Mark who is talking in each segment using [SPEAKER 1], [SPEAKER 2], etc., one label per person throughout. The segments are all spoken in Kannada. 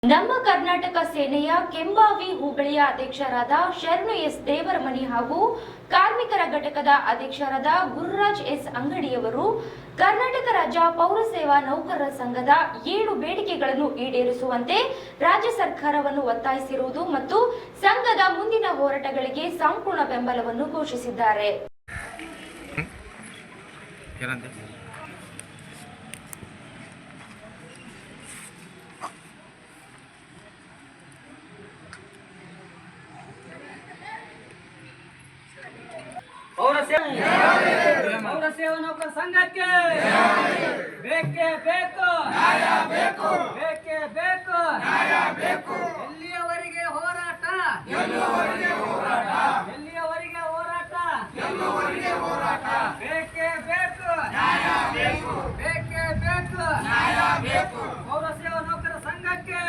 [SPEAKER 1] ನಮ್ಮ ಕರ್ನಾಟಕ ಸೇನೆಯ ಕೆಂಬಾವಿ ಹೋಬಳಿಯ ಅಧ್ಯಕ್ಷರಾದ ಶರಣು ಎಸ್ ದೇವರಮನಿ ಹಾಗೂ ಕಾರ್ಮಿಕರ ಘಟಕದ ಅಧ್ಯಕ್ಷರಾದ ಗುರುರಾಜ್ ಎಸ್ ಅಂಗಡಿಯವರು ಕರ್ನಾಟಕ ರಾಜ್ಯ ಪೌರ ಸೇವಾ ನೌಕರರ ಸಂಘದ 7 ಬೇಡಿಕೆಗಳನ್ನು ಈಡೇರಿಸುವಂತೆ ರಾಜ್ಯ ಸರ್ಕಾರವನ್ನು ಒತ್ತಾಯಿಸಿರುವುದು ಮತ್ತು ಸಂಘದ ಮುಂದಿನ ಹೋರಾಟಗಳಿಗೆ ಸಂಪೂರ್ಣ ಬೆಂಬಲವನ್ನು ಘೋಷಿಸಿದ್ದಾರೆ.
[SPEAKER 2] ಪೌರ ಸೇವಾ ನೌಕರ ಸಂಘಕ್ಕೆ ಬೇಕೇ ಬೇಕು, ಬೇಕೇ ಬೇಕು. ಎಲ್ಲಿಯವರೆಗೆ ಹೋರಾಟ, ಬೇಕೇ ಬೇಕು, ಪೌರ ಸೇವಾ ನೌಕರ ಸಂಘಕ್ಕೆ,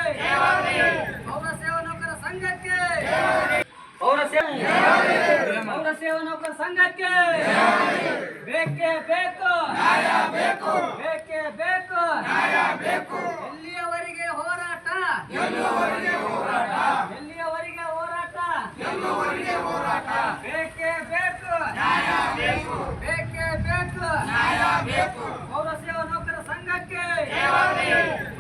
[SPEAKER 2] ಪೌರ ಸೇವಾ ನೌಕರ ಸಂಘಕ್ಕೆ ಬೇಕೇ ಬೇಕು, ಎಲ್ಲಿಯವರೆಗೆ ಹೋರಾಟ, ಬೇಕೇ ಬೇಕು, ಪೌರ ಸೇವಾ ನೌಕರ ಸಂಘಕ್ಕೆ